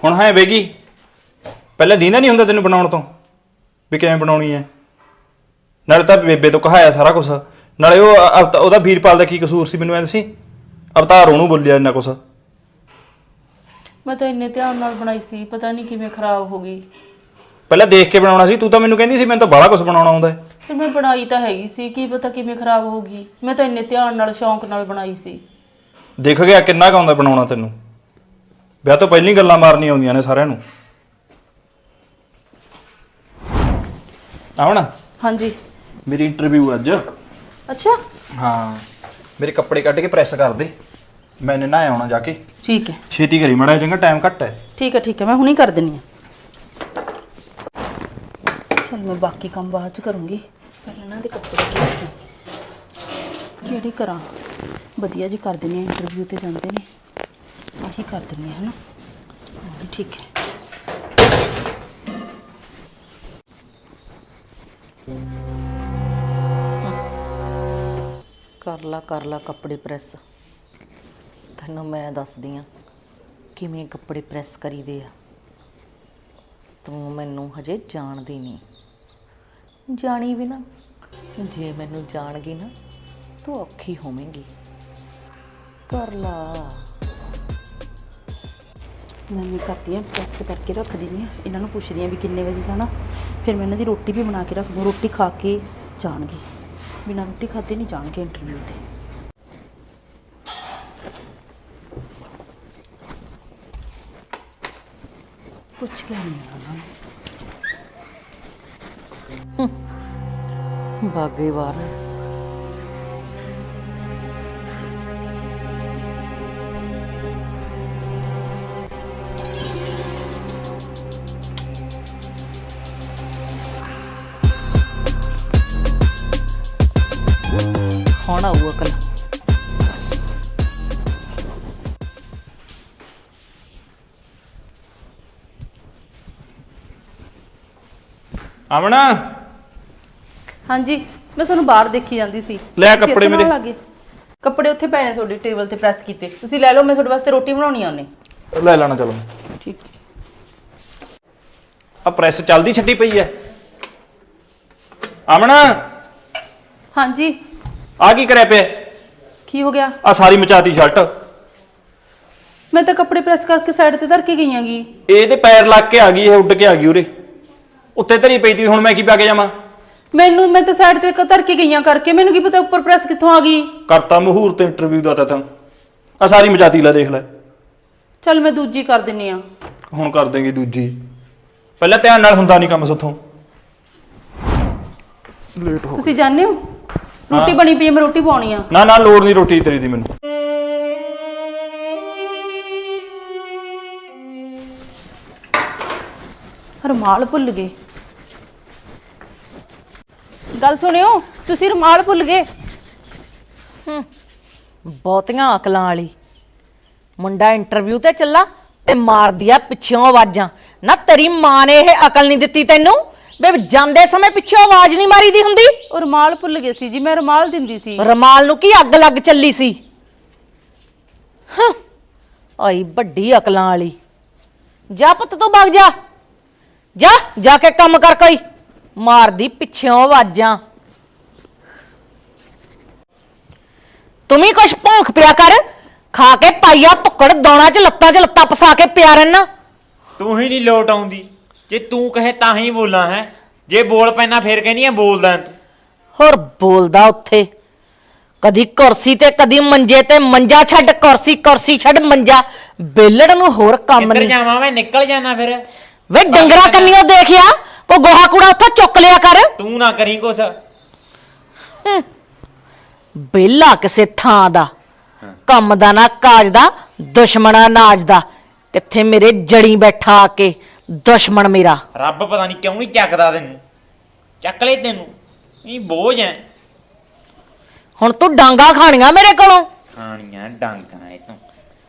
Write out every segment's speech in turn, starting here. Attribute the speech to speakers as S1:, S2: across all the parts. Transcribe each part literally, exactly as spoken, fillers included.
S1: ਹੁਣ ਹਾਂ ਵੇਗੀ ਪਹਿਲਾਂ ਦੀਂਦਾ ਨਹੀਂ ਹੁੰਦਾ ਤੈਨੂੰ ਬਣਾਉਣ ਤੋਂ ਵੀ ਕਿਵੇਂ ਬਣਾਉਣੀ ਹੈ। ਨਾਲੇ ਤਾਂ ਬੇਬੇ ਤੋਂ ਕਹਾਇਆ ਸਾਰਾ ਕੁਛ, ਨਾਲੇ ਉਹ ਅਵਤਾ ਉਹਦਾ ਵੀਰਪਾਲ ਦਾ ਕੀ ਕਸੂਰ ਸੀ ਮੈਨੂੰ ਐਂ ਦੱਸੀ। ਅਵਤਾਰ ਉਹਨੂੰ ਬੋਲਿਆ ਇੰਨਾ ਕੁਛ।
S2: ਮੈਂ ਤਾਂ ਇੰਨੇ ਧਿਆਨ ਨਾਲ ਬਣਾਈ ਸੀ, ਪਤਾ ਨਹੀਂ ਕਿਵੇਂ ਖਰਾਬ ਹੋ ਗਈ।
S1: ਪਹਿਲਾਂ ਦੇਖ ਕੇ ਬਣਾਉਣਾ ਸੀ, ਤੂੰ ਤਾਂ ਮੈਨੂੰ ਕਹਿੰਦੀ ਸੀ ਮੈਨੂੰ ਤਾਂ ਬਾਹਲਾ ਕੁਛ ਬਣਾਉਣਾ ਆਉਂਦਾ।
S2: ਫਿਰ ਮੈਂ ਬਣਾਈ ਤਾਂ ਹੈਗੀ ਸੀ, ਕੀ ਪਤਾ ਕਿਵੇਂ ਖਰਾਬ ਹੋ ਗਈ। ਮੈਂ ਤਾਂ ਇੰਨੇ ਧਿਆਨ ਨਾਲ ਸ਼ੌਂਕ ਨਾਲ ਬਣਾਈ ਸੀ।
S1: ਦਿਖ ਗਿਆ ਕਿੰਨਾ ਕੁ ਆਉਂਦਾ ਬਣਾਉਣਾ ਤੈਨੂੰ। ਵਿਆਹ ਤੋਂ ਪਹਿਲਾਂ ਗੱਲਾਂ ਮਾਰਨੀਆਂ ਆਉਂਦੀਆਂ ਨੇ ਸਾਰਿਆਂ ਨੂੰ। ਆਵਣਾ
S2: ਹਾਂਜੀ
S1: ਮੇਰੀ ਇੰਟਰਵਿਊ ਅੱਜ।
S2: ਅੱਛਾ
S1: ਹਾਂ ਮੇਰੇ ਕੱਪੜੇ ਕੱਢ ਕੇ ਪ੍ਰੈਸ ਕਰ ਦੇ, ਮੈਨੇ ਨਾ ਆਉਣਾ ਜਾ ਕੇ।
S2: ਠੀਕ ਹੈ
S1: ਛੇਤੀ ਕਰੀ ਮਾੜਾ ਚੰਗਾ, ਟਾਈਮ ਘੱਟ ਹੈ।
S2: ਠੀਕ ਹੈ ਠੀਕ ਹੈ, ਮੈਂ ਹੁਣੀ ਕਰ ਦਿੰਨੀ ਆ। ਚਲ ਮੈਂ ਬਾਕੀ ਕੰਮ ਬਾਅਦ ਚ ਕਰੂੰਗੀ, ਪਹਿਲਾਂ ਇਹਨਾਂ ਦੇ ਕੱਪੜੇ ਕਿਹੜੇ ਕਿਹੜੇ ਕਰਾਂ। ਵਧੀਆ ਜੀ ਕਰ ਦਿੰਨੀ ਆ, ਇੰਟਰਵਿਊ ਤੇ ਜਾਂਦੇ ਨੇ, ਆਹੀ ਕਰ ਦਿੰਨੀ ਆ, ਹੈ ਨਾ। ਠੀਕ ਹੈ ਕਰ ਲਾ ਕਰ ਲਾ ਕੱਪੜੇ ਪ੍ਰੈਸ। ਤੈਨੂੰ ਮੈਂ ਦੱਸਦੀ ਆ ਕਿਵੇਂ ਕੱਪੜੇ ਪ੍ਰੈਸ ਕਰੀਦੇ ਆ। ਤੂੰ ਮੈਨੂੰ ਹਜੇ ਜਾਣਦੀ ਨਹੀਂ, ਜਾਣੀ ਵੀ ਨਾ, ਜੇ ਮੈਨੂੰ ਜਾਣ ਗਈ ਨਾ ਤੂੰ ਔਖੀ ਹੋਵੇਂਗੀ। ਕਰ ਲਾ। ਮੈਂ ਕਰਦੀ ਆ ਪ੍ਰੈਸ ਕਰਕੇ ਰੱਖ ਦਿੰਦੀ ਆ। ਇਹਨਾਂ ਨੂੰ ਪੁੱਛਦੀ ਆ ਵੀ ਕਿੰਨੇ ਵਜੇ ਜਾਣਾ, ਫਿਰ ਮੈਂ ਇਹਨਾਂ ਦੀ ਰੋਟੀ ਵੀ ਬਣਾ ਕੇ ਰੱਖ ਦੂੰ। ਰੋਟੀ ਖਾ ਕੇ ਜਾਣਗੇ, ਬਿਨਾਂ ਰੋਟੀ ਖਾਦੇ ਨਹੀਂ ਜਾਣਗੇ ਇੰਟਰਵਿਊ ਤੇ। ਪੁੱਛ ਕੇ ਨਹੀਂ ਆਉਣਾ ਬਾਗੇ ਬਾਹਰ। ਹੁਣ ਆਊ ਅਕਲ।
S1: ਆਵਣਾ
S2: ਹਾਂਜੀ ਮੈਂ ਤੁਹਾਨੂੰ ਬਾਹਰ ਦੇਖੀ ਜਾਂਦੀ ਸੀ।
S1: ਲੈ ਕੱਪੜੇ ਮੇਰੇ।
S2: ਲੱਗੇ ਕੱਪੜੇ ਉੱਥੇ ਪਏ ਨੇ ਤੁਹਾਡੇ ਟੇਬਲ ਤੇ ਪ੍ਰੈਸ ਕੀਤੇ, ਤੁਸੀਂ ਲੈ ਲਓ। ਮੈਂ ਤੁਹਾਡੇ ਵਾਸਤੇ ਰੋਟੀ ਬਣਾਉਣੀ ਆ ਉਹਨੇ।
S1: ਲੈ ਲੈਣਾ ਚਲੋ।
S2: ਠੀਕ
S1: ਆ ਪ੍ਰੈਸ ਚੱਲਦੀ ਛੱਡੀ ਪਈ ਐ। ਆਵਣਾ
S2: ਹਾਂਜੀ
S1: ਆ ਕੀ ਕਰਿਆ ਪਿਆ?
S2: ਕੀ ਹੋ ਗਿਆ?
S1: ਆ ਸਾਰੀ ਮਚਾਤੀ ਸ਼ਰਟ।
S2: ਮੈਂ ਤਾਂ ਕੱਪੜੇ ਪ੍ਰੈਸ ਕਰਕੇ ਸਾਈਡ ਤੇ ਧਰ ਕੇ ਗਈ ਆਂਗੀ।
S1: ਇਹਦੇ ਪੈਰ ਲੱਗ ਕੇ ਆ ਗਈ, ਇਹ ਉੱਡ ਕੇ ਆ ਗਈ ਉਰੇ ਉੱਤੇ ਧਰੀ ਪਈ ਤੀ। ਹੁਣ ਮੈਂ ਕੀ ਪਾ ਕੇ ਜਾਵਾਂ?
S2: ਮੈਨੂੰ ਮੈਂ ਤਾਂ ਸਾਈਡ ਤੇ ਧਰ ਕੇ ਗਈਆਂ ਕਰਕੇ, ਮੈਨੂੰ ਕੀ ਪਤਾ ਉੱਪਰ ਪ੍ਰੈਸ ਕਿੱਥੋਂ ਆ ਗਈ।
S1: ਕਰਤਾ ਮਹੂਰਤ ਇੰਟਰਵਿਊ ਦਾ ਤਾਂ ਤੂੰ ਆ ਸਾਰੀ ਮਚਾਤੀ। ਲੈ ਦੇਖ ਲੈ।
S2: ਚੱਲ ਮੈਂ ਦੂਜੀ ਕਰ ਦਿੰਨੀ ਆ।
S1: ਹੁਣ ਕਰ ਦੇਂਗੀ ਦੂਜੀ, ਪਹਿਲਾਂ ਧਿਆਨ ਨਾਲ ਹੁੰਦਾ ਨਹੀਂ ਕੰਮ ਸੁੱਥੋਂ। ਲੇਟ ਹੋ
S2: ਤੁਸੀਂ ਜਾਣਦੇ ਹੋ ਰੋਟੀ ਬਣੀ ਪਈ ਹੈ, ਮੈਂ ਰੋਟੀ ਪਾਉਣੀ ਆ।
S1: ਨਾ ਨਾ ਲੋੜ ਨਹੀਂ ਰੋਟੀ ਤੇਰੀ ਦੀ ਮੈਨੂੰ।
S2: ਰੁਮਾਲ ਭੁੱਲ ਗਏ। ਗੱਲ ਸੁਣਿਓ, ਤੁਸੀਂ ਰੁਮਾਲ ਭੁੱਲ ਗਏ।
S3: ਬਹੁਤੀਆਂ ਅਕਲਾਂ ਵਾਲੀ। ਮੁੰਡਾ ਇੰਟਰਵਿਊ ਤੇ ਚੱਲਾ ਤੇ ਮਾਰਦੀ ਆ ਪਿੱਛੋਂ ਆਵਾਜ਼ਾਂ। ਨਾ ਤੇਰੀ ਮਾਂ ਨੇ ਇਹ ਅਕਲ ਨਹੀਂ ਦਿੱਤੀ ਤੈਨੂੰ ਬੇ ਜਾਂਦੇ ਸਮੇਂ ਪਿੱਛੋਂ ਆਵਾਜ਼ ਨਹੀਂ ਮਾਰੀਦੀ ਹੁੰਦੀ?
S2: ਉਹ ਰੁਮਾਲ ਭੁੱਲ ਗਏ ਸੀ ਜੀ, ਮੈਂ ਰੁਮਾਲ ਦਿੰਦੀ ਸੀ।
S3: ਰੁਮਾਲ ਨੂੰ ਕੀ ਅੱਗ ਲੱਗ ਚੱਲੀ ਸੀ? ਹਾਂ ਆਈ ਵੱਡੀ ਅਕਲਾਂ ਵਾਲੀ। ਜਾ ਪੁੱਤ ਤੂੰ ਭੱਗ ਜਾ, ਜਾ ਜਾ ਕੇ ਕੰਮ ਕਰ। ਕੋਈ ਮਾਰਦੀ ਪਿੱਛੋਂ ਆਵਾਜ਼ਾਂ। ਤੂੰ ਵੀ ਕੁਛ ਭੌਂਕ ਪਿਆ ਕਰ। ਖਾ ਕੇ ਪਾਈਆ ਭੁੱਕੜ ਦੋਣਾ ਚ ਲੱਤਾਂ ਚ ਲੱਤਾਂ ਪਸਾ ਕੇ ਪਿਆ ਰਹਿਣਾ।
S4: ਤੂੰ ਹੀ ਨਹੀਂ ਲੋਟ ਆਉਂਦੀ, ਜੇ ਤੂੰ ਕਹੇ ਤਾਂ ਹੀ ਬੋਲਾਂ ਹੈ। ਜੇ ਬੋਲ ਪੈਣਾ ਫੇਰ ਕਹਿੰਦੀ ਆ ਬੋਲਦਾ।
S3: ਹੋਰ ਬੋਲਦਾ ਉੱਥੇ ਕਦੀ ਕੁਰਸੀ ਤੇ ਕਦੀ ਮੰਜੇ ਤੇ। ਮੰਜਾ ਛੱਡ ਕੁਰਸੀ, ਕੁਰਸੀ ਛੱਡ ਮੰਜਾ। ਬੇਲੜ ਨੂੰ ਹੋਰ ਕੰਮ
S4: ਕਿੱਧਰ
S3: ਨਹੀਂ।
S4: ਜਾਵਾਂ ਮੈਂ? ਨਿਕਲ ਜਾਣਾ ਫਿਰ।
S3: ਵੇ ਡੰਗਰਾ ਕੰਨੀਓ ਦੇਖਿਆ ਕੋ ਗੋਹਾ ਕੂੜਾ ਉੱਥੋਂ ਚੁੱਕ ਲਿਆ ਕਰ।
S4: ਤੂੰ ਨਾ ਕਰੀ ਕੁਛ।
S3: ਬੇਲਾ ਕਿਸੇ ਥਾਂ ਦਾ, ਕੰਮ ਦਾ ਨਾ ਕਾਜ ਦਾ, ਦੁਸ਼ਮਣਾ ਨਾਜ ਦਾ। ਕਿੱਥੇ ਮੇਰੇ ਜੜੀ ਬੈਠਾ ਆ ਕੇ ਦੁਸ਼ਮਣ ਮੇਰਾ।
S4: ਰੱਬ ਪਤਾ ਨਹੀਂ ਕਿਉਂ ਨਹੀਂ ਚੱਕਦਾ ਤੈਨੂੰ। ਚੱਕ ਲੈ ਤੈਨੂੰ, ਇਹ ਬੋਝ ਐ।
S3: ਹੁਣ ਤੂੰ ਡਾਂਗਾ ਖਾਣੀਆਂ ਮੇਰੇ ਕੋਲੋਂ।
S4: ਖਾਣੀਆਂ ਡਾਂਗਾਂ ਇਹ ਤੋਂ।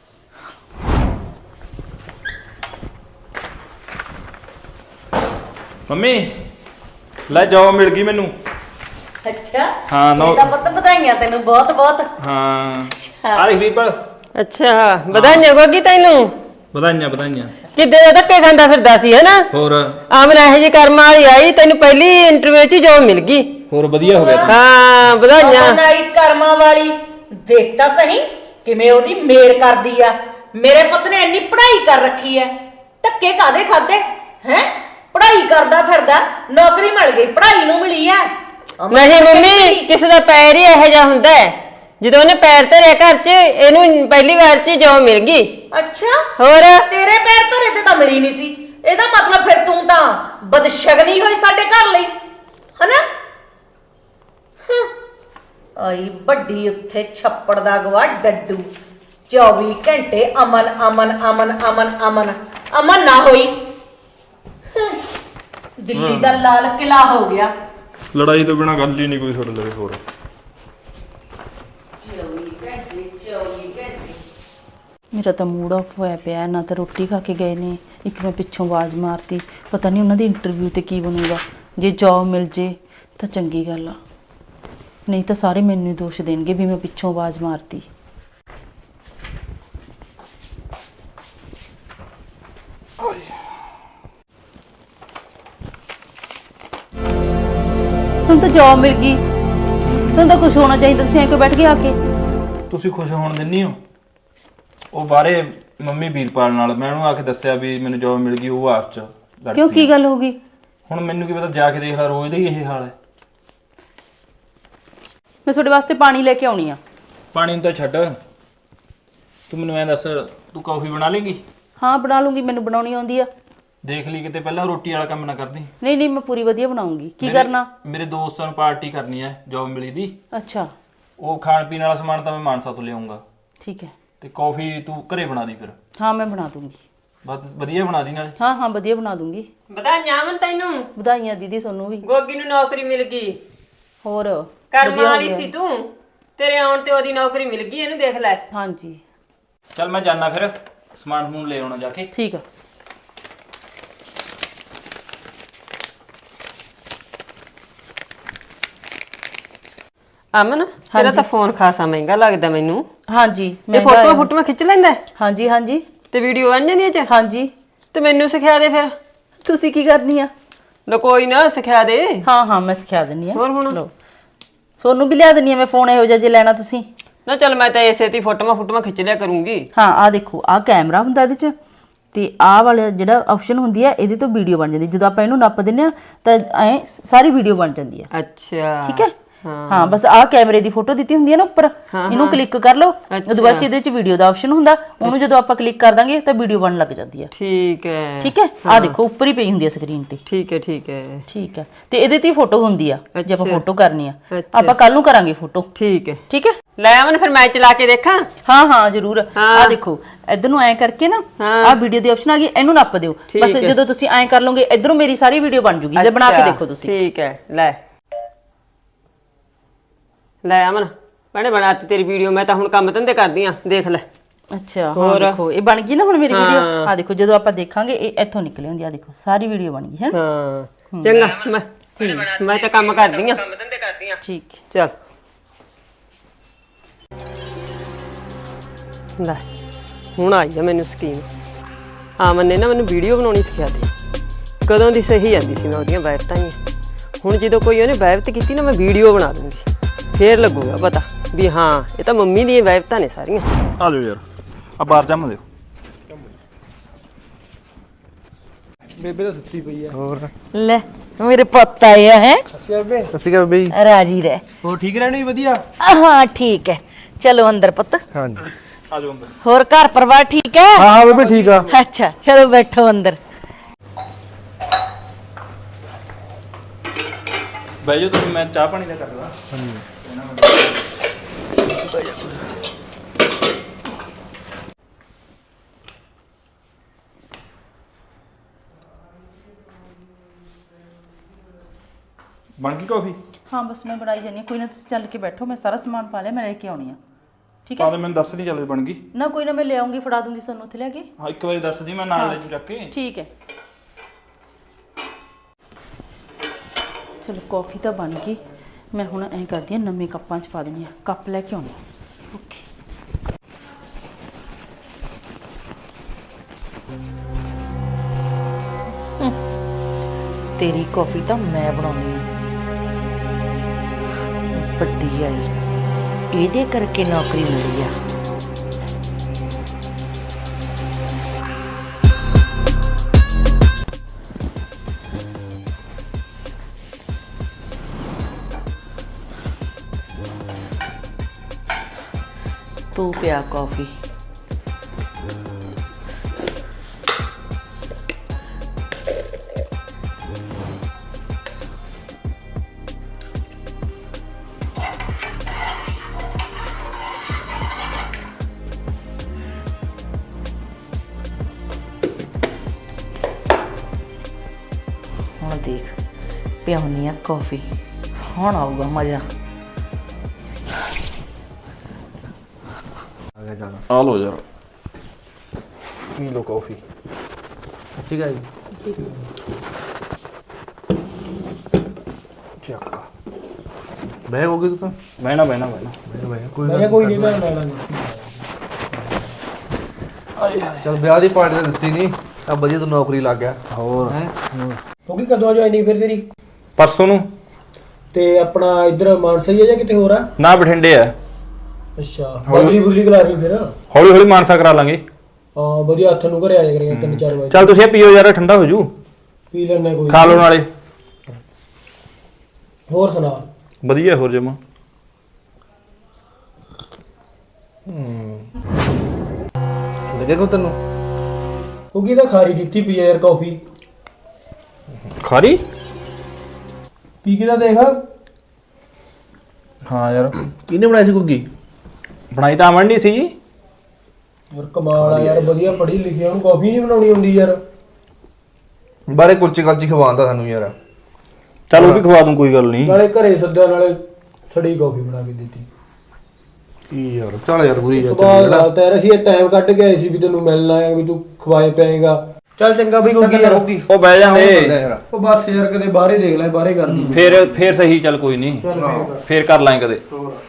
S1: ਮੰਮੀ ਲੈ ਜਾਓ, ਮਿਲ ਗਈ ਮੈਨੂੰ।
S3: ਅੱਛਾ
S1: ਹਾਂ ਨੋ
S3: ਤਾਂ ਪੁੱਤ ਵਧਾਈਆਂ ਤੈਨੂੰ ਬਹੁਤ ਬਹੁਤ।
S1: ਹਾਂ ਆ ਰਹੀ ਵੀਰਪਾਲ।
S5: ਅੱਛਾ ਵਧਾਈਆਂ ਗੋਗੀ ਤੈਨੂੰ।
S1: ਵਧਾਈਆਂ ਵਧਾਈਆਂ।
S5: ਕਿੱਦੇ ਦਾ ਧੱਕੇ ਖਾਂਦਾ ਫਿਰਦਾ ਸੀ ਹੈਨਾ।
S1: ਹੋਰ
S5: ਆਮਨ ਇਹੋ ਜਿਹੀ ਕਰਮ ਵਾਲੀ ਆਈ, ਤੈਨੂੰ ਪਹਿਲੀ ਇੰਟਰਵਿਊ 'ਚ ਜੋਬ ਮਿਲ ਗਈ।
S1: ਹੋਰ ਵਧੀਆ ਹੋ ਗਿਆ ਤੂੰ।
S5: ਹਾਂ ਵਧਾਈਆਂ।
S3: ਨਾਈ ਕਰਮਾਂ ਵਾਲੀ ਦੇਖ ਤਾਂ ਸਹੀ ਕਿਵੇਂ ਉਹਦੀ ਮੇਰ ਕਰਦੀ ਆ। ਮੇਰੇ ਪੁੱਤ ਨੇ ਇੰਨੀ ਪੜ੍ਹਾਈ ਕਰ ਰੱਖੀ ਐ, ਧੱਕੇ ਕਾਦੇ ਖਾਦੇ ਹੈ? ਪੜ੍ਹਾਈ ਕਰਦਾ ਫਿਰਦਾ, ਨੌਕਰੀ ਮਿਲ ਗਈ, ਪੜ੍ਹਾਈ ਨੂੰ ਮਿਲੀ ਆ।
S5: ਨਹੀਂ ਮੰਮੀ, ਕਿਸੇ ਦਾ ਪੈਰ ਹੀ ਇਹੋ ਜਿਹਾ ਹੁੰਦਾ ਹੈ, ਜਦੋਂ ਉਹਨੇ ਪੈਰ ਧਰਿਆ ਘਰ 'ਚ ਇਹਨੂੰ ਪਹਿਲੀ ਵਾਰ 'ਚ ਜੋਬ ਮਿਲ ਗਈ।
S3: ਅੱਛਾ
S5: ਹੋਰ
S3: ਤੇਰੇ ਪੈਰ ਧਰੇ ਤੇ ਤਾਂ ਮਿਲੀ ਨਹੀਂ ਸੀ, ਇਹਦਾ ਮਤਲਬ ਫਿਰ ਤੂੰ ਤਾਂ ਬਦਸ਼ਗਨੀ ਹੋਈ ਸਾਡੇ ਘਰ ਲਈ, ਹਨਾ? ਆਈ ਵੱਡੀ ਉੱਥੇ ਛੱਪੜ ਦਾ ਗਵਾ ਡੱਡੂ, ਚੌਵੀ ਘੰਟੇ ਅਮਨ ਅਮਨ ਅਮਨ ਅਮਨ ਅਮਨ ਅਮਨ ਨਾ ਹੋਈ। ਦਿੱਲੀ ਦਾ ਲਾਲ ਕਿਲਾ ਹੋ ਗਿਆ।
S1: ਲੜਾਈ ਤੋਂ ਬਿਨਾ ਗੱਲ ਹੀ ਨਹੀਂ ਕੋਈ ਤੁਹਾਡੇ ਲਈ। ਹੋਰ
S6: ਮੇਰਾ ਤਾਂ ਮੂਡ ਆਫ ਹੋਇਆ ਪਿਆ, ਨਾ ਤਾਂ ਰੋਟੀ ਖਾ ਕੇ ਗਏ ਨੇ, ਇੱਕ ਮੈਂ ਪਿੱਛੋਂ ਆਵਾਜ਼ ਮਾਰਤੀ, ਪਤਾ ਨਹੀਂ ਉਹਨਾਂ ਦੀ ਇੰਟਰਵਿਊ ਤੇ ਕੀ ਬਣੂਗਾ। ਜੇ ਜੌਬ ਮਿਲ ਜੇ ਤਾਂ ਚੰਗੀ ਗੱਲ ਆ, ਨਹੀਂ ਤਾਂ ਸਾਰੇ ਮੈਨੂੰ ਹੀ ਦੋਸ਼ ਦੇਣਗੇ ਵੀ ਮੈਂ ਪਿੱਛੋਂ ਆਵਾਜ਼ ਮਾਰਤੀ। ਤੁਹਾਨੂੰ ਤਾਂ ਜੌਬ ਮਿਲ ਗਈ, ਤੁਹਾਨੂੰ ਤਾਂ ਖੁਸ਼ ਹੋਣਾ ਚਾਹੀਦਾ, ਤੁਸੀਂ ਐਂ ਕਿਉਂ ਬੈਠ ਕੇ ਆ ਕੇ?
S1: ਤੁਸੀਂ ਖੁਸ਼ ਹੋਣ ਦਿੰਨੀ ਹੋ? ਉਹ ਬਾਰੇ ਮੰਮੀ ਵੀਰਪਾਲ ਨਾਲ ਮੈਂ ਉਹਨੂੰ ਆ ਕੇ ਦੱਸਿਆ ਵੀ ਮੈਨੂੰ ਜੌਬ ਮਿਲ ਗਈ, ਉਹ ਆਪ ਚ ਲੜ
S6: ਕਿਉਂ,
S1: ਪਈ।
S6: ਕੀ ਗੱਲ ਹੋ ਗਈ?
S1: ਹੁਣ ਮੈਨੂੰ ਕੀ ਪਤਾ, ਜਾ ਕੇ ਦੇਖ ਲੈ, ਰੋਜ਼ ਦਾ ਹੀ ਇਹ ਹਾਲ ਹੈ।
S6: ਮੈਂ ਤੁਹਾਡੇ ਵਾਸਤੇ ਪਾਣੀ ਲੈ ਕੇ ਆਉਣੀ ਆ।
S1: ਪਾਣੀ ਨੂੰ ਤਾਂ ਛੱਡ, ਤੂੰ ਮੈਨੂੰ ਐਂ ਦੱਸ, ਤੂੰ ਕੌਫੀ ਬਣਾ ਲੇਗੀ?
S6: ਹਾਂ ਬਣਾ ਲੂੰਗੀ, ਮੈਨੂੰ ਬਣਾਉਣੀ ਆਉਂਦੀ ਆ।
S1: ਦੇਖ ਲਈ ਕਿਤੇ ਪਹਿਲਾਂ ਰੋਟੀ ਵਾਲਾ ਕੰਮ ਨਾ ਕਰਦੀ।
S6: ਨਹੀਂ ਨਹੀਂ, ਮੈਂ ਪੂਰੀ ਵਧੀਆ ਬਣਾਉਂਗੀ। ਕੀ
S1: ਮੇਰੇ-
S6: ਕਰਨਾ?
S1: ਮੇਰੇ ਦੋਸਤਾਂ ਨੂੰ ਪਾਰਟੀ ਕਰਨੀ ਹੈ ਜੌਬ ਮਿਲੀ ਦੀ,
S6: ਅੱਛਾ
S1: ਉਹ ਖਾਣ ਪੀਣ ਵਾਲਾ ਸਮਾਨ ਤਾਂ ਮੈਂ ਮਾਨਸਾ ਤੋਂ ਲਿਆਉਂਗਾ,
S6: ਠੀਕ ਹੈ।
S1: ਤੇ ਕੌਫੀ ਤੂੰ ਘਰੇ ਬਣਾ ਦੀ ਫਿਰ।
S6: ਹਾਂ ਮੈਂ ਬਣਾ ਦੂੰਗੀ।
S1: ਬਸ ਵਧੀਆ ਬਣਾ ਦੀ ਨਾਲੇ।
S6: ਹਾਂ ਹਾਂ ਵਧੀਆ ਬਣਾ ਦੂੰਗੀ।
S5: ਵਧਾਈਆਂ ਅਮਨ ਤੈਨੂੰ,
S6: ਵਧਾਈਆਂ ਦੀਦੀ ਤੁਹਾਨੂੰ ਵੀ।
S5: ਗੋਗੀ ਨੂੰ ਨੌਕਰੀ ਮਿਲ ਗਈ।
S6: ਹੋਰ
S5: ਕਰਮ
S6: ਵਧੀਆ ਹੋ
S5: ਵਾਲੀ
S6: ਗਿਆ।
S5: ਸੀ ਤੂੰ, ਤੇਰੇ ਆਉਣ ਤੇ ਉਹਦੀ ਨੌਕਰੀ ਮਿਲ ਗਈ, ਇਹਨੂੰ ਦੇਖ ਲੈ।
S6: ਹਾਂਜੀ
S1: ਚੱਲ ਮੈਂ ਜਾਣਾ ਫਿਰ, ਸਮਾਨ ਸਮੂਨ ਲੈ ਆਉਣਾ ਜਾ ਕੇ।
S6: ਠੀਕ ਆ।
S5: ਅਮਨ ਤੇਰਾ ਤਾਂ ਫੋਨ ਖਾਸਾ ਮਹਿੰਗਾ ਲੱਗਦਾ ਮੈਨੂੰ।
S6: ਹਾਂਜੀ
S5: ਇਹ
S6: ਮਹਿੰਗਾ
S5: ਫੋਟੋਆਂ
S6: ਆ।
S5: ਫੋਟੋਆਂ ਖਿੱਚ ਲੈਂਦਾ ਹੈ?
S6: ਹਾਂਜੀ ਹਾਂਜੀ
S5: ਤੇ ਵੀਡੀਓ ਬਣ ਜਾਂਦੀ ਹੈ ਚ?
S6: ਹਾਂਜੀ।
S5: ਤੇ ਮੈਨੂੰ ਸਿਖਾ ਦੇ ਫਿਰ।
S6: ਤੁਸੀਂ ਕੀ ਕਰਨੀ ਆ?
S5: ਲੋ ਕੋਈ ਨਾ ਸਿਖਾ ਦੇ।
S6: ਹਾਂ ਹਾਂ ਮੈਂ ਸਿਖਾ ਦਿੰਨੀ ਆ।
S5: ਹੋਰ ਹੁਣ?
S6: ਲਓ ਤੁਹਾਨੂੰ ਵੀ ਲਿਆ ਦਿੰਨੀ ਆ ਮੈਂ ਫੋਨ ਇਹੋ ਜਿਹਾ ਜੇ ਲੈਣਾ ਤੁਸੀਂ।
S5: ਨਾ ਚੱਲ ਮੈਂ ਤਾਂ ਇਸੇ ਤੇ ਫੋਟੋਆਂ ਫੋਟੋਆਂ ਖਿੱਚ ਲਿਆ ਕਰੂੰਗੀ।
S6: ਹਾਂ ਆ ਦੇਖੋ, ਆ ਕੈਮਰਾ ਹੁੰਦਾ ਇਹਦੇ ਚ, ਤੇ ਆਹ ਵਾਲਾ ਜਿਹੜਾ ਆਪਸ਼ਨ ਹੁੰਦੀ ਆ ਇਹਦੇ ਤੋਂ ਵੀਡੀਓ ਬਣ ਜਾਂਦੀ। ਜਦੋਂ ਆਪਾਂ ਇਹਨੂੰ ਨੱਪ ਦਿੰਨੇ ਆ ਤਾਂ ਐ ਸਾਰੀ ਵੀਡੀਓ ਬਣ ਜਾਂਦੀ ਆ।
S5: ਅੱਛਾ
S6: ਠੀਕ ਹੈ। ਹਾਂ ਬਸ ਆਹ ਕੈਮਰੇ ਦੀ ਫੋਟੋ ਦਿੱਤੀ ਹੁੰਦੀ ਹੈ ਨਾ ਉੱਪਰ, ਇਹਨੂੰ ਕਲਿੱਕ ਕਰ ਲਓ। ਉਹਦੇ ਬਾਅਦ 'ਚ ਇਹਦੇ ਚ ਵੀਡੀਓ ਦਾ ਆਪਸ਼ਨ ਹੁੰਦਾ, ਉਹਨੂੰ ਜਦੋਂ ਆਪਾਂ ਕਲਿੱਕ ਕਰ ਦਾਂਗੇ ਤਾਂ ਵੀਡੀਓ ਬਣਨ ਲੱਗ ਜਾਂਦੀ ਆ।
S5: ਠੀਕ ਹੈ
S6: ਠੀਕ ਹੈ। ਆਹ ਦੇਖੋ ਉੱਪਰ ਹੀ ਪਈ ਹੁੰਦੀ ਆ ਸਕਰੀਨ ਤੇ।
S5: ਠੀਕ ਹੈ ਠੀਕ ਹੈ
S6: ਠੀਕ ਹੈ। ਤੇ ਇਹਦੇ ਤੇ ਫੋਟੋ ਹੁੰਦੀ ਆ, ਜੇ ਆਪਾਂ
S5: ਅੱਛਾ।
S6: ਫੋਟੋ ਕਰਨੀ ਆ।
S5: ਅੱਛਾ।
S6: ਆਪਾਂ ਕੱਲ ਨੂੰ ਕਰਾਂਗੇ ਫੋਟੋ।
S5: ਠੀਕ ਹੈ
S6: ਠੀਕ ਹੈ।
S5: ਲੈ ਅਮਨ ਫਿਰ ਮੈਂ ਚਲਾ ਕੇ ਦੇਖਾਂ।
S6: ਹਾਂ ਹਾਂ ਜ਼ਰੂਰ।
S5: ਹਾਂ।
S6: ਆਹ ਦੇਖੋ ਇਧਰ ਨੂੰ ਐ ਕਰਕੇ ਨਾ
S5: ਹਾਂ।
S6: ਆਹ ਵੀਡੀਓ ਦੀ ਆਪਸ਼ਨ ਆ ਗਈ, ਇਹਨੂੰ ਨੱਪ ਦਿਓ
S5: ਠੀਕ
S6: ਬਸ।
S5: ਹੈ।
S6: ਜਦੋਂ ਤੁਸੀਂ ਐ ਕਰ ਲਓਗੇ ਇਧਰੋਂ ਮੇਰੀ ਸਾਰੀ ਵੀਡੀਓ ਬਣ ਜੂਗੀ, ਜੇ ਬਣਾ ਕੇ
S5: ਅੱਛਾ,
S6: ਦੇਖੋ ਤੁਸੀਂ।
S5: ਠੀਕ ਹੈ। ਲੈ ਲੈ ਅਮਨ ਭੈਣੇ ਬਣਾਤੀ ਤੇਰੀ ਵੀਡੀਓ। ਮੈਂ ਤਾਂ ਹੁਣ ਕੰਮ ਧੰਦੇ ਕਰਦੀ ਆ, ਦੇਖ ਲੈ।
S6: ਅੱਛਾ ਹਾਂ ਦੇਖੋ ਇਹ ਬਣ ਗਈ ਨਾ ਹੁਣ ਮੇਰੀ ਵੀਡੀਓ। ਆ ਦੇਖੋ ਜਦੋਂ ਆਪਾਂ ਦੇਖਾਂਗੇ ਇਹ ਇੱਥੋਂ ਨਿਕਲ ਆਉਂਦੀ ਆ। ਦੇਖੋ ਸਾਰੀ ਵੀਡੀਓ ਬਣ ਗਈ ਹੈ।
S5: ਹਾਂ ਚੰਗਾ, ਮੈਂ ਮੈਂ ਤਾਂ ਕੰਮ ਕਰਦੀ ਆ, ਕੰਮ ਧੰਦੇ ਕਰਦੀ ਆ।
S6: ਠੀਕ
S5: ਚੱਲ ਲੈ ਹੁਣ ਆਈ ਆ ਮੈਨੂੰ ਸਕੀਮ। ਆਮਨ ਨੇ ਨਾ ਮੈਨੂੰ ਵੀਡੀਓ ਬਣਾਉਣੀ ਸਿਖਾ ਦਿੱਤੀ। ਕਦੋਂ ਦੀ ਸਹੀ ਜਾਂਦੀ ਸੀ ਮੈਂ ਉਹਦੀਆਂ ਵੈਬਤਾਂ ਹੀ। ਹੁਣ ਜਦੋਂ ਕੋਈ ਉਹਨੇ ਵੈਬਤ ਕੀਤੀ ਨਾ, ਮੈਂ ਵੀਡੀਓ ਬਣਾ ਦੂੰਗੀ, ਫੇਰ ਲੱਗੂਗਾ ਪਤਾ ਵੀ ਹਾਂ ਇਹ ਤਾਂ ਮੰਮੀ ਦੀਆਂ ਵੈਬਤਾਂ ਨੇ ਸਾਰੀਆਂ।
S1: ਆ ਜਾਓ ਯਾਰ, ਆ ਬਾਹਰ ਜੰਮ ਦਿਓ।
S7: ਬੇਬੇ ਤਾਂ ਸੁੱਤੀ ਪਈ ਆ। ਹੋਰ
S3: ਲੈ ਮੇਰੇ ਪੁੱਤ ਆਏ ਆ ਹੈ।
S7: ਸਸੀ ਬੇਬੇ। ਸਸੀ ਕਾ ਬੇਬੇ।
S3: ਰਾਜੀ ਰਹਿ।
S7: ਹੋਰ ਠੀਕ ਰਹਿਣੀ ਵਧੀਆ।
S3: ਹਾਂ ਠੀਕ ਹੈ, ਚਲੋ ਅੰਦਰ ਪੁੱਤ।
S7: ਹਾਂਜੀ
S1: ਆ ਜਾਓ ਅੰਦਰ।
S3: ਹੋਰ ਘਰ ਪਰਿਵਾਰ ਠੀਕ ਹੈ?
S7: ਹਾਂ ਹਾਂ ਬੇਬੇ ਠੀਕ ਆ।
S3: ਅੱਛਾ ਚਲੋ ਬੈਠੋ ਅੰਦਰ।
S1: ਬਹਿ ਜਾਓ ਤੁਸੀਂ, ਮੈਂ ਚਾਹ ਪਾਣੀ ਦਾ ਕਰ ਲਾਂ। ਬਣ ਗਈ ਕਾਫੀ?
S6: ਹਾਂ ਬਸ ਮੈਂ ਬਣਾਈ ਜਾਨੀ ਆ। ਕੋਈ ਨਾ ਤੁਸੀਂ ਚੱਲ ਕੇ ਬੈਠੋ, ਮੈਂ ਸਾਰਾ ਸਮਾਨ ਪਾ ਲਿਆ, ਮੈਂ ਲੈ ਕੇ ਆਉਣੀ ਆ। ਠੀਕ
S1: ਤਾਂ
S6: ਹੈ।
S1: ਤੇ ਮੈਨੂੰ ਦੱਸ ਨਹੀਂ ਚੱਲ ਬਣ ਗਈ।
S6: ਨਾ ਕੋਈ ਨਾ ਮੈਂ ਲੈ ਆਉਂਗੀ, ਫੜਾ ਦੂੰਗੀ ਤੁਹਾਨੂੰ ਉੱਥੇ ਲੈ ਕੇ।
S1: ਹਾਂ ਇੱਕ ਵਾਰੀ ਦੱਸ ਦੀ, ਮੈਂ ਨਾਲ ਲੈ ਜੂ ਚੱਕ ਕੇ।
S6: ਠੀਕ ਹੈ। ਚਲੋ ਕੌਫੀ ਤਾਂ ਬਣ ਗਈ। ਮੈਂ ਹੁਣ ਐਂ ਕਰਦੀ ਆ, ਨਵੇਂ ਕੱਪਾਂ 'ਚ ਪਾ ਦਿੰਦੀ ਆ। ਕੱਪ ਲੈ ਕੇ ਆਉਣੀ। ਓਕੇ
S2: ਤੇਰੀ ਕੌਫੀ ਤਾਂ ਮੈਂ ਬਣਾਉਣੀ ਆ। ਵੱਡੀ ਆਈ, ਇਹਦੇ ਕਰਕੇ ਨੌਕਰੀ ਮਿਲੀ ਆ। ਤੂੰ ਪਿਆ ਕੌਫੀ। ਹੁਣ ਦੇਖ, ਪਿਆਉਣੀ ਆ ਕੌਫੀ, ਹੁਣ ਆਊਗਾ ਮਜ਼ਾ।
S1: ਆ ਲੋ ਯਾਰ,
S7: ਪੀ ਲਓ ਕਾਫੀ। ਅਸੀਂ ਗਾਈ ਚੱਕ ਬਹਿ ਹੋ ਗਈ ਤੂੰ ਤਾਂ।
S1: ਬਹਿਣਾ ਬਹਿਣਾ ਬਹਿਣਾ
S7: ਬਹਿ ਕੋਈ ਨਾ ਕੋਈ ਨਹੀਂ, ਮੈਂ ਲੈ ਲਾਂਗਾ। ਚਲ ਵਿਆਹ ਦੀ ਪਾਰਟੀ ਤਾਂ ਦਿੱਤੀ ਨਹੀਂ, ਆ ਵਧੀਆ ਤੂੰ ਨੌਕਰੀ ਲੱਗ ਗਿਆ। ਹੋਰ ਹੈ
S8: ਹੋ ਗਈ ਕਦੋਂ ਜੁਆਇਨਿੰਗ ਫਿਰ ਤੇਰੀ?
S1: ਪਰਸੋਂ ਨੂੰ।
S8: ਤੇ ਆਪਣਾ ਇੱਧਰ ਮਾਨਸਾ ਹੀ ਹੈ ਜਾਂ ਕਿਤੇ ਹੋਰ ਆ?
S1: ਨਾ ਬਠਿੰਡੇ ਆ।
S8: ਅੱਛਾ, ਬਦਲੀ ਬੁਦਲੀ ਕਰਾ ਲਈ ਫਿਰ?
S1: ਹੌਲੀ ਹੌਲੀ ਮਾਨਸਾ ਕਰਾ ਲਾਂਗੇ।
S8: ਹਾਂ ਵਧੀਆ, ਹੱਥ ਨੂੰ ਘਰੇ ਆ ਜਾ ਕਰੀਏ ਤਿੰਨ ਚਾਰ ਵਜੇ।
S1: ਚੱਲ ਤੁਸੀਂ ਇਹ ਪੀਓ ਯਾਰ, ਠੰਡਾ ਹੋ ਜੂ।
S8: ਪੀ ਲੈਣੇ ਕੋਈ।
S1: ਖਾ ਲਓ ਨਾਲੇ।
S8: ਹੋਰ ਸੁਣਾ?
S1: ਵਧੀਆ ਹੋਰ ਜਮਾ।
S7: ਲੱਗੇ ਕੋ ਤੈਨੂੰ?
S8: ਹੋ ਗਈ ਤਾਂ ਖਾਰੀ ਦਿੱਤੀ ਪਈ ਆ ਯਾਰ ਕਾਫੀ।
S1: ਖਾਰੀ?
S8: ਪੀ ਕੇ ਤਾਂ ਦੇਖ।
S1: ਹਾਂ ਯਾਰ,
S7: ਕਿਹਨੇ ਬਣਾਈ ਸੀ ਕੁੱਗੀ?
S1: ਬਣਾਈ ਤਾਂ ਅਮਨ ਨਹੀਂ ਸੀ।
S8: ਯਾਰ ਕਮਾਲ ਆ ਯਾਰ, ਵਧੀਆ ਪੜ੍ਹੀ ਲਿਖੀ, ਉਹਨੂੰ ਕਾਫੀ ਨਹੀਂ ਬਣਾਉਣੀ ਆਉਂਦੀ ਯਾਰ।
S7: ਬਾਰੇ ਕੁਲਚੇ ਕਲਚੀ ਖਵਾਉਂਦਾ ਸਾਨੂੰ ਯਾਰ।
S1: ਚੱਲ ਉਹ ਵੀ ਖਵਾ ਦੂੰ, ਕੋਈ ਗੱਲ ਨਹੀਂ।
S8: ਨਾਲੇ ਘਰੇ ਸੱਦਿਆ, ਨਾਲੇ ਸੜੀ ਕਾਫੀ ਬਣਾ ਕੇ ਦਿੱਤੀ।
S7: ਕੀ ਯਾਰ, ਚੱਲ ਯਾਰ ਬੁਰੀ ਯਾਰ।
S8: ਸੁਭਾਅ ਗੱਲ ਤਾਂ ਯਾਰ, ਅਸੀਂ ਇਹ ਟਾਈਮ ਕੱਢ ਕੇ ਆਏ ਸੀ ਵੀ ਤੈਨੂੰ ਮਿਲਣ ਆਇਆ, ਵੀ ਤੂੰ ਖਵਾਏ ਪਿਆਏਗਾ। ਚੱਲ ਚੰਗਾ ਬਈ, ਕੋਈ ਯਾਰ
S1: ਉਹ ਬਹਿ ਜਾਂਦੇ।
S8: ਉਹ ਬਸ ਯਾਰ ਕਦੇ ਬਾਹਰੇ ਦੇਖ ਲੈ, ਬਾਹਰੇ ਕਰ ਲਈ।
S1: ਫੇਰ ਫੇਰ ਸਹੀ, ਚੱਲ ਕੋਈ ਨਹੀਂ,
S8: ਚੱਲ ਫੇਰ ਕਰ।
S1: ਫੇਰ ਕਰ ਲਾਂਗੇ ਕਦੇ।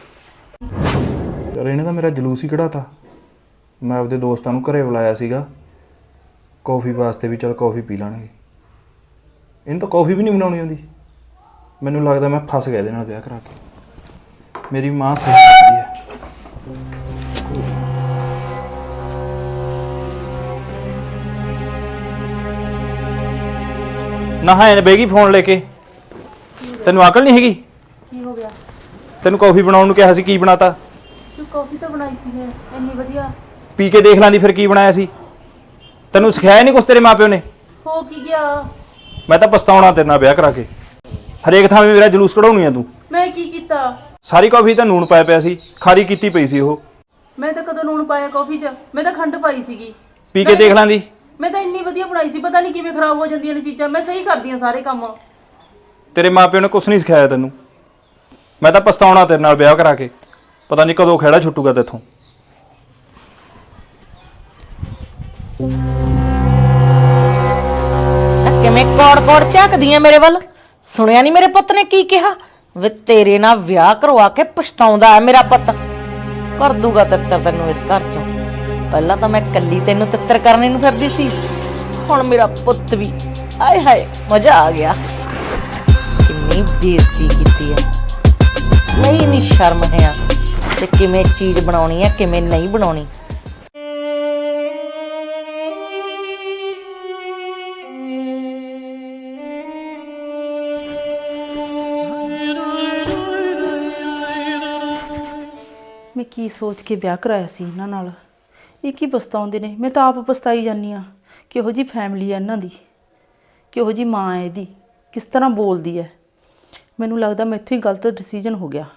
S1: ਯਾਰ ਇਹਨੇ ਤਾਂ ਮੇਰਾ ਜਲੂਸ ਹੀ ਕਢਾਤਾ। ਮੈਂ ਆਪਦੇ ਦੋਸਤਾਂ ਨੂੰ ਘਰੇ ਬੁਲਾਇਆ ਸੀਗਾ ਕੌਫੀ ਵਾਸਤੇ, ਵੀ ਚੱਲ ਕੌਫੀ ਪੀ ਲਾਂਗੇ। ਇਹਨੂੰ ਤਾਂ ਕੌਫੀ ਵੀ ਨਹੀਂ ਬਣਾਉਣੀ ਆਉਂਦੀ। ਮੈਨੂੰ ਲੱਗਦਾ ਮੈਂ ਫਸ ਗਿਆ ਇਹਦੇ ਨਾਲ ਵਿਆਹ ਕਰਾ ਕੇ। ਮੇਰੀ ਮਾਂ ਸਹੀ ਕਰਦੀ ਹੈ। ਨਾ ਹੈ ਬੇਗੀ ਫੋਨ ਲੈ ਕੇ। ਤੈਨੂੰ ਅਕਲ ਨਹੀਂ ਹੈਗੀ?
S6: ਕੀ ਹੋ ਗਿਆ?
S1: ਤੈਨੂੰ ਕੌਫੀ ਬਣਾਉਣ ਨੂੰ ਕਿਹਾ ਸੀ, ਕੀ ਬਣਾਤਾ?
S6: ਤੂੰ ਕਾਫੀ ਤਾਂ ਬਣਾਈ ਸੀ ਮੈਂ ਇੰਨੀ ਵਧੀਆ।
S1: ਪੀ ਕੇ ਦੇਖ ਲਾਂਦੀ ਫਿਰ ਕੀ ਬਣਾਇਆ ਸੀ। ਤੈਨੂੰ ਸਿਖਾਇਆ ਨਹੀਂ ਕੁਛ ਤੇਰੇ ਮਾਪਿਓ ਨੇ?
S6: ਹੋ ਕੀ ਗਿਆ?
S1: ਮੈਂ ਤਾਂ ਪਛਤਾਉਣਾ ਤੇਰੇ ਨਾਲ ਵਿਆਹ ਕਰਾ ਕੇ। ਹਰੇਕ ਥਾਂ 'ਤੇ ਮੇਰਾ ਜਲੂਸ ਕਢਾਉਣੀ ਆ ਤੂੰ।
S6: ਮੈਂ ਕੀ ਕੀਤਾ?
S1: ਸਾਰੀ ਕੌਫੀ ਤਾਂ ਨੂਣ ਪਾਇਆ ਪਿਆ ਸੀ, ਖਾਰੀ ਕੀਤੀ ਪਈ ਸੀ ਉਹ।
S6: ਮੈਂ ਤਾਂ ਕਦੋਂ ਲੂਣ ਪਾਇਆ ਕਾਫੀ 'ਚ? ਮੈਂ ਤਾਂ ਖੰਡ ਪਾਈ ਸੀਗੀ।
S1: ਪੀ ਕੇ ਦੇਖ ਲਾਂਦੀ।
S6: ਮੈਂ ਤਾਂ ਇੰਨੀ ਵਧੀਆ ਬਣਾਈ ਸੀ, ਪਤਾ ਨਹੀਂ ਕਿਵੇਂ ਖਰਾਬ ਹੋ ਜਾਂਦੀਆਂ ਨੇ ਚੀਜ਼ਾਂ। ਮੈਂ ਸਹੀ ਕਰਦੀ ਆ ਸਾਰੇ ਕੰਮ।
S1: ਤੇਰੇ ਮਾਪਿਓ ਨੇ ਕੁਛ ਨਹੀਂ ਸਿਖਾਇਆ ਤੈਨੂੰ। ਮੈਂ ਤਾਂ ਪਛਤਾਉਣਾ ਤੇਰੇ ਨਾਲ ਵਿਆਹ ਕਰਾ ਕੇ। ਪਤਾ ਨਹੀਂ ਕਦੋਂ ਖਹਿੜਾ ਛੁੱਟੂਗਾ ਤੇਥੋਂ।
S2: ਕਿਵੇਂ ਕੌੜ ਕੌੜ ਝਾਕਦੀਆਂ ਮੇਰੇ ਵੱਲ? ਸੁਣਿਆ ਨਹੀਂ ਮੇਰੇ ਪੁੱਤ ਨੇ ਕੀ ਕਿਹਾ? ਵੇ ਤੇਰੇ ਨਾਲ ਵਿਆਹ ਕਰਵਾ ਕੇ ਪਛਤਾਉਂਦਾ ਹੈ ਮੇਰਾ ਪੁੱਤ। ਕਰ ਦੂਗਾ ਤਿੱਤਰ ਤੈਨੂੰ ਇਸ ਘਰ ਚੋਂ। ਪਹਿਲਾਂ ਤਾਂ ਮੈਂ ਕੱਲੀ ਤੈਨੂੰ ਤਿੱਤਰ ਕਰਨੇ ਨੂੰ ਫਿਰਦੀ ਸੀ, ਹੁਣ ਮੇਰਾ ਪੁੱਤ ਵੀ। ਆਏ ਹਾਏ, ਮਜ਼ਾ ਆ ਗਿਆ। ਕਿੰਨੀ ਬੇਇੱਜ਼ਤੀ ਕੀਤੀ ਹੈ। ਨਹੀਂ ਨਹੀਂ ਸ਼ਰਮ ਹੈ ਤੇ ਕਿਵੇਂ ਚੀਜ਼ ਬਣਾਉਣੀ ਹੈ, ਕਿਵੇਂ ਨਹੀਂ ਬਣਾਉਣੀ।
S6: ਮੈਂ ਕੀ ਸੋਚ ਕੇ ਵਿਆਹ ਕਰਾਇਆ ਸੀ ਇਹਨਾਂ ਨਾਲ। ਇਹ ਕੀ ਪਛਤਾਉਂਦੇ ਨੇ? ਮੈਂ ਤਾਂ ਆਪ ਪਛਤਾਈ ਜਾਂਦੀ ਆ। ਕਿਹੋ ਜੀ ਫੈਮਿਲੀ ਹੈ ਇਹਨਾਂ ਦੀ, ਕਿਹੋ ਜੀ ਮਾਂ ਹੈ ਇਹਦੀ, ਕਿਸ ਤਰ੍ਹਾਂ ਬੋਲਦੀ ਹੈ। ਮੈਨੂੰ ਲੱਗਦਾ ਮੈਥੋਂ ਹੀ ਗਲਤ ਡਿਸੀਜਨ ਹੋ ਗਿਆ।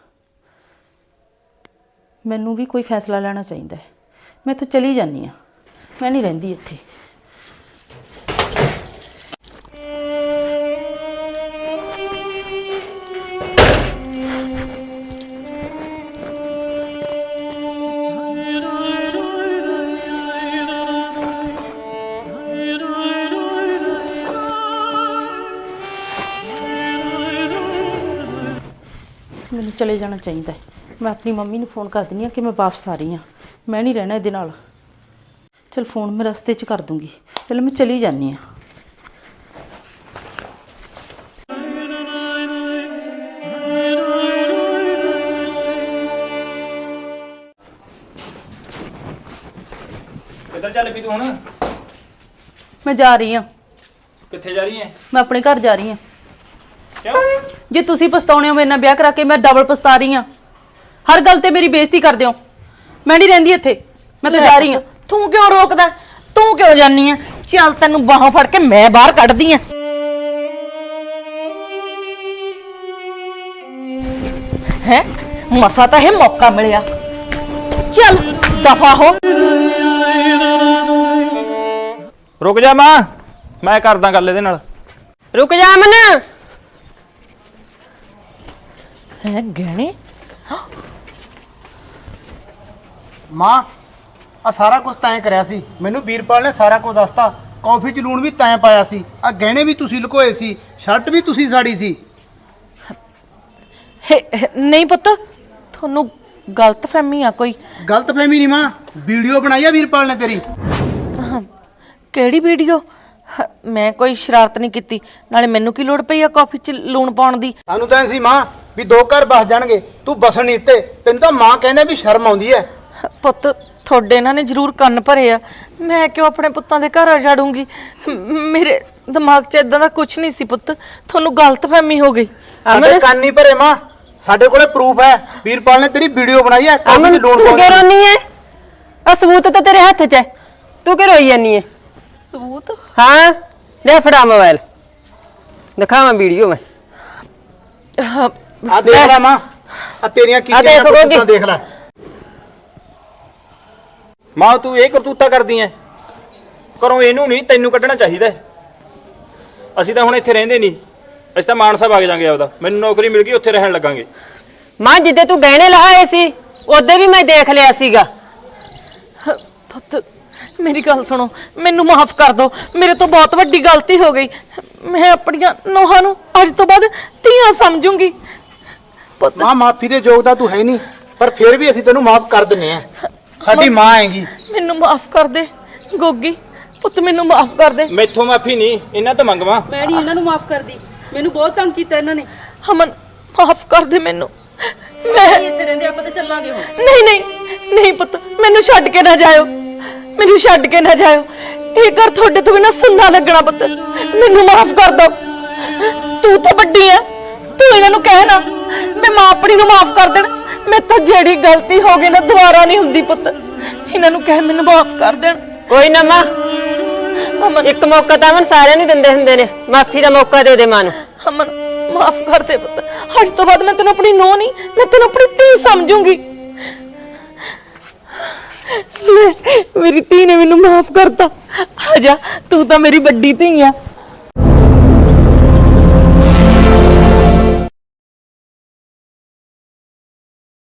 S6: ਮੈਨੂੰ ਵੀ ਕੋਈ ਫੈਸਲਾ ਲੈਣਾ ਚਾਹੀਦਾ ਹੈ। ਮੈਂ ਇੱਥੋਂ ਚਲੀ ਜਾਂਦੀ ਆ, ਮੈਂ ਨਹੀਂ ਰਹਿੰਦੀ ਇੱਥੇ। ਮੈਨੂੰ ਚਲੇ ਜਾਣਾ ਚਾਹੀਦਾ ਹੈ। ਮੈਂ ਆਪਣੀ ਮੰਮੀ ਨੂੰ ਫੋਨ ਕਰ ਦਿੰਦੀ ਹਾਂ ਕਿ ਮੈਂ ਵਾਪਸ ਆ ਰਹੀ ਹਾਂ। ਮੈਂ ਨਹੀਂ ਰਹਿਣਾ ਇਹਦੇ ਨਾਲ। ਚਲ ਫੋਨ ਮੈਂ ਰਸਤੇ 'ਚ ਕਰ ਦੂੰਗੀ, ਪਹਿਲਾਂ ਮੈਂ ਚਲੀ ਜਾਂਦੀ ਆ।
S1: ਕਿੱਧਰ ਚੱਲ ਪਈ ਤੂੰ ਹੁਣ?
S6: ਮੈਂ ਜਾ ਰਹੀ ਆ,
S1: ਕਿੱਥੇ ਜਾ ਰਹੀ ਹੈ?
S6: ਮੈਂ ਆਪਣੇ ਘਰ ਜਾ ਰਹੀ ਆ।
S1: ਕਿਉਂ?
S6: ਜੇ ਤੁਸੀਂ ਪਛਤਾਉਣੇ ਹੋ ਮੇਰੇ ਨਾਲ ਵਿਆਹ ਕਰਾ ਕੇ, ਮੈਂ ਡਬਲ ਪਛਤਾ ਰਹੀ ਆ। ਹਰ ਗੱਲ ਤੇ ਮੇਰੀ ਬੇਇੱਜ਼ਤੀ ਕਰਦੇ ਹੋ। ਮੈਂ ਨਹੀਂ ਰਹਿੰਦੀ ਇੱਥੇ, ਮੈਂ ਤਾਂ ਜਾ ਰਹੀ ਆ।
S3: ਤੂੰ ਕਿਉਂ ਰੋਕਦਾ? ਤੂੰ ਕਿਉਂ ਜਾਨੀ ਆ? ਚੱਲ ਤੈਨੂੰ ਬਾਹਾਂ ਫੜ ਕੇ ਮੈਂ ਬਾਹਰ ਕੱਢਦੀ ਆ। ਹੈ ਮਸਾ ਤਾਂ ਇਹ ਮੌਕਾ ਮਿਲਿਆ। ਚੱਲ ਦਫਾ ਹੋ।
S1: ਰੁਕ ਜਾ ਮਾਂ, ਮੈਂ ਕਰਦਾ ਗੱਲ ਇਹਦੇ ਨਾਲ।
S5: ਰੁਕ ਜਾ ਅਮਨ।
S3: ਹੈ ਗਹਿਣੇ?
S9: ਮਾਂ ਆ ਸਾਰਾ ਕੁਝ ਤੈਂ ਕਰਿਆ ਸੀ। ਮੈਨੂੰ ਵੀਰਪਾਲ ਨੇ ਸਾਰਾ ਕੁਝ ਦੱਸਤਾ। ਕੌਫੀ 'ਚ ਲੂਣ ਵੀ ਤੈਂ ਪਾਇਆ ਸੀ, ਆ ਗਹਿਣੇ ਵੀ ਤੁਸੀਂ ਲੁਕੋਏ ਸੀ, ਸ਼ਰਟ ਵੀ ਤੁਸੀਂ ਸਾੜੀ ਸੀ।
S3: ਹੈ- ਹੈ- ਨਹੀਂ ਪੁੱਤ, ਤੁਹਾਨੂੰ ਗਲਤਫਹਿਮੀ ਆ ਕੋਈ।
S9: ਗਲਤਫਹਿਮੀ ਨਹੀਂ ਮਾਂ, ਵੀਡੀਓ ਬਣਾਈ ਆ ਵੀਰਪਾਲ ਨੇ ਤੇਰੀ।
S3: ਕਿਹੜੀ ਵੀਡੀਓ? ਹ- ਮੈਂ ਕੋਈ ਸ਼ਰਾਰਤ ਨਹੀਂ ਕੀਤੀ। ਨਾਲੇ ਮੈਨੂੰ ਕੀ ਲੋੜ ਪਈ ਆ ਕਾਫੀ 'ਚ ਲੂਣ ਪਾਉਣ ਦੀ?
S9: ਸਾਨੂੰ ਤਾਂ ਐਂ ਸੀ ਮਾਂ ਵੀ ਦੋ ਘਰ ਬਸ ਜਾਣਗੇ, ਤੂੰ ਬਸਣ ਨਹੀਂ ਦਿੱਤੇ। ਤੈਨੂੰ ਤਾਂ ਮਾਂ ਕਹਿੰਦੇ ਵੀ ਸ਼ਰਮ ਆਉਂਦੀ ਐ।
S3: ਪੁੱਤ ਤੁਹਾਡੇ ਇਹਨਾਂ ਨੇ ਜ਼ਰੂਰ ਕੰਨ ਭਰੇ ਆ। ਮੈਂ ਕਿਉਂ ਆਪਣੇ ਪੁੱਤਾਂ ਦੇ ਘਰ ਉਜਾੜੂੰਗੀ? ਮ- ਮੇਰੇ ਦਿਮਾਗ 'ਚ ਇਦਾਂ ਦਾ ਕੁਝ ਨਹੀਂ ਸੀ ਪੁੱਤ, ਤੁਹਾਨੂੰ ਗਲਤਫਹਿਮੀ ਹੋ ਗਈ।
S9: ਸਾਡੇ ਕੰਨ ਨਹੀਂ ਭਰੇ ਮਾਂ, ਸਾਡੇ ਕੋਲੇ ਪ੍ਰੂਫ ਹੈ। ਵੀਰਪਾਲ ਨੇ ਤੇਰੀ ਵੀਡੀਓ ਬਣਾਈ ਹੈ, ਕਾਫੀ 'ਚ ਲੂਣ
S5: ਤੂੰ
S9: ਪਾਉਂਦੀ।
S5: ਕਿਉਂ ਰੋਨੀ ਐ? ਆ ਸਬੂਤ ਤਾਂ ਤੇਰੇ ਹੱਥ 'ਚ ਐ, ਤੂੰ ਕਿਉਂ ਰੋਈ ਜਾਨੀ ਐ?
S6: ਸਬੂਤ?
S5: ਹਾਂ ਲੈ ਫੜਾ ਮੋਬਾਈਲ, ਦਿਖਾਵਾਂ ਵੀਡੀਓ ਮੈਂ।
S9: ਆ ਦੇਖ ਲੈ ਮਾਂ, ਆ ਤੇਰੀਆਂ
S5: ਆ
S9: ਕੀਤੀਆਂ
S5: ਦੇਖ
S9: ਕਰਤੂਤਾਂ
S5: ਰੋਗੀ।
S9: ਦੇਖ ਲੈ।
S1: ਮਾਂ ਤੂੰ ਇਹ ਕਰਤੂਤਾ ਕਰਦੀ ਐ? ਘਰੋਂ ਇਹਨੂੰ ਨਹੀਂ ਤੈਨੂੰ ਕੱਢਣਾ ਚਾਹੀਦਾ ਹੈ। ਅਸੀਂ ਤਾਂ ਹੁਣ ਇੱਥੇ ਰਹਿੰਦੇ ਨਹੀਂ, ਅਸੀਂ ਤਾਂ ਮਾਨਸਾ ਵਗ ਜਾਾਂਗੇ ਆਪਦਾ। ਮੈਨੂੰ ਨੌਕਰੀ ਮਿਲ ਗਈ, ਉੱਥੇ ਰਹਿਣ ਲੱਗਾਂਗੇ।
S5: ਮਾਂ ਜਿੱਦੇ ਤੂੰ ਗਹਿਣੇ ਲਹਾਏ ਸੀ ਉਹਦੇ ਵੀ ਮੈਂ ਦੇਖ ਲਿਆ ਸੀਗਾ।
S3: ਹ- ਪੁੱਤ ਮੇਰੀ ਗੱਲ ਸੁਣੋ, ਮੈਨੂੰ ਮਾਫ ਕਰ ਦਿਓ। ਮੇਰੇ ਤੋਂ ਬਹੁਤ ਵੱਡੀ ਗਲਤੀ ਹੋ ਗਈ। ਮੈਂ ਆਪਣੀਆਂ ਨੋਹਾਂ ਨੂੰ ਅੱਜ ਤੋਂ ਬਾਅਦ ਧੀਆਂ ਸਮਝੂੰਗੀ। ਪੁੱਤ
S9: ਮਾਂ ਮਾਫੀ ਦੇ ਯੋਗ ਤਾਂ ਤੂੰ ਹੈ ਨਹੀਂ, ਪਰ ਫਿਰ ਵੀ ਅਸੀਂ ਤੈਨੂੰ ਮਾਫ ਕਰ ਦਿੰਨੇ ਆ। ਸਾਡੀ ਮਾਂ ਹੈਗੀ।
S3: ਮੈਨੂੰ ਮਾਫ ਕਰ ਦੇ ਗੋਗੀ, ਪੁੱਤ ਮੈਨੂੰ ਮਾਫ ਕਰ ਦੇ।
S1: ਮੈਥੋਂ ਮਾਫੀ ਨਹੀਂ, ਇਹਨਾਂ ਤੋਂ ਮੰਗਵਾ।
S6: ਮੈਂ ਨਹੀਂ ਇਹਨਾਂ ਨੂੰ ਮਾਫ ਕਰਦੀ, ਮੈਨੂੰ ਬਹੁਤ ਤੰਗ ਕੀਤਾ ਇਹਨਾਂ ਨੇ।
S3: ਅਮਨ ਮਾਫ ਕਰ ਦੇ ਮੈਨੂੰ। ਮੈਂ
S6: ਇੱਥੇ ਰਹਿੰਦੇ ਆਪਾਂ ਤਾਂ ਚੱਲਾਂਗੇ ਹੁਣ।
S3: ਨਹੀਂ ਨਹੀਂ ਨਹੀਂ ਪੁੱਤ, ਮੈਨੂੰ ਛੱਡ ਕੇ ਨਾ ਜਾਇਓ, ਮੈਨੂੰ ਛੱਡ ਕੇ ਨਾ ਜਾਇਓ। ਇਹ ਘਰ ਤੁਹਾਡੇ ਤੋਂ ਬਿਨਾਂ ਸੁੰਨਾ ਲੱਗਣਾ। ਪੁੱਤ ਮੈਨੂੰ ਮਾਫ ਕਰ ਦੋ। ਤੂੰ ਤਾਂ ਵੱਡੀ ਆ, ਤੂੰ ਇਹਨਾਂ ਨੂੰ ਕਹਿ ਨਾ ਮੈਂ ਮਾਂ ਆਪਣੀ ਨੂੰ ਮਾਫ ਕਰ ਦੇਣ। ਮੈਂ ਤਾਂ ਜਿਹੜੀ ਗਲਤੀ ਹੋ ਗਈ ਨਾ ਦੁਬਾਰਾ ਨਹੀਂ ਹੁੰਦੀ। ਪੁੱਤ ਇਹਨਾਂ ਨੂੰ ਕਹਿ ਮੈਨੂੰ ਮਾਫ ਕਰ ਦੇਣ।
S5: ਕੋਈ ਨਾ ਮਾਂ,
S3: ਅਮਨ
S5: ਇੱਕ ਮੌਕਾ ਤਾਂ ਅਮਨ ਸਾਰਿਆਂ ਨੂੰ ਦਿੰਦੇ ਹੁੰਦੇ ਨੇ, ਮਾਫੀ ਦਾ ਮੌਕਾ ਦੇ ਦੇ ਮਾਂ ਨੂੰ।
S3: ਅਮਨ ਮਾਫ ਕਰ ਦੇ ਪੁੱਤ। ਅੱਜ ਤੋਂ ਬਾਅਦ ਮੈਂ ਤੈਨੂੰ ਆਪਣੀ ਨੂੰਹ ਨਹੀਂ, ਮੈਂ ਤੈਨੂੰ ਆਪਣੀ ਧੀ ਸਮਝੂੰਗੀ। ਲੈ, ਮੇਰੀ ਧੀ ਨੇ ਮੈਨੂੰ ਮਾਫ ਕਰਤਾ। ਆ ਜਾ, ਤੂੰ ਤਾਂ ਮੇਰੀ ਵੱਡੀ ਧੀ ਆ।